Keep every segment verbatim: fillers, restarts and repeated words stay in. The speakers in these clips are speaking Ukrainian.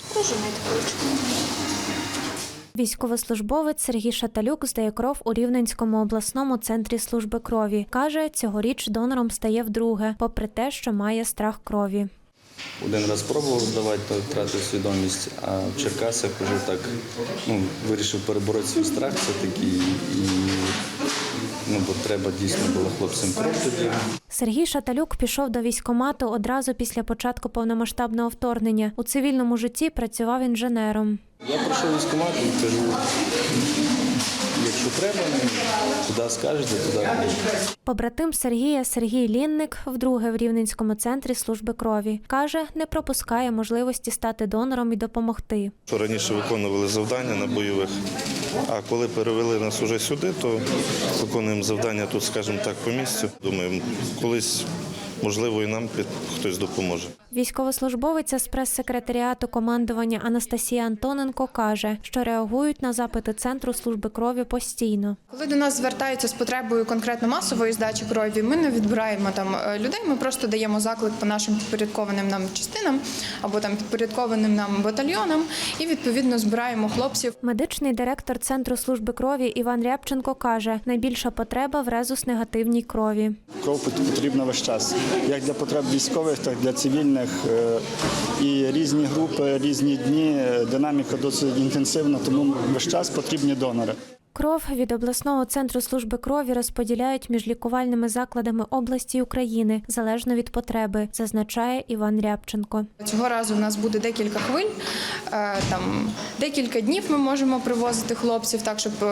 Прожимайте ручку. Військовослужбовець Сергій Шаталюк здає кров у Рівненському обласному центрі служби крові. Каже, цьогоріч донором стає вдруге, попри те, що має страх крові. Один раз пробував здавати, то втратив свідомість, а в Черкасах вже так ну, вирішив перебороти свій страх все-таки. І, ну, бо треба дійсно було хлопцям кров тоді. Сергій Шаталюк пішов до військкомату одразу після початку повномасштабного вторгнення. У цивільному житті працював інженером. Я прийшов військкомат і кажу, якщо треба, куди скажете, туди. Побратим Сергія Сергій Лінник вдруге в Рівненському центрі служби крові. Каже, не пропускає можливості стати донором і допомогти. Раніше виконували завдання на бойових, а коли перевели нас уже сюди, то виконуємо завдання тут, скажімо так, по місцю. Думаю, колись, можливо, і нам хтось допоможе. Військовослужбовиця з прес-секретаріату командування Анастасія Антоненко каже, що реагують на запити Центру служби крові постійно. Коли до нас звертаються з потребою конкретно масової здачі крові, ми не відбираємо там людей, ми просто даємо заклик по нашим підпорядкованим нам частинам або там підпорядкованим нам батальйонам і відповідно збираємо хлопців. Медичний директор Центру служби крові Іван Рябченко каже, найбільша потреба в резус-негативній крові. Кров потрібна весь час, як для потреб військових, так і для цивільних. І різні групи, різні дні, динаміка досить інтенсивна, тому весь час потрібні донори. Кров від обласного центру служби крові розподіляють між лікувальними закладами області і України, залежно від потреби, зазначає Іван Рябченко. Цього разу в нас буде декілька хвиль, там декілька днів ми можемо привозити хлопців так, щоб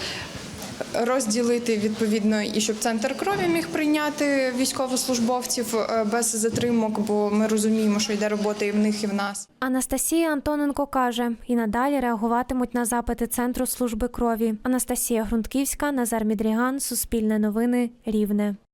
розділити відповідно і щоб центр крові міг прийняти військовослужбовців без затримок, бо ми розуміємо, що йде робота і в них, і в нас. Анастасія Антоненко каже, і надалі реагуватимуть на запити Центру служби крові. Анастасія Грунтківська, Назар Мідріган, Суспільне новини, Рівне.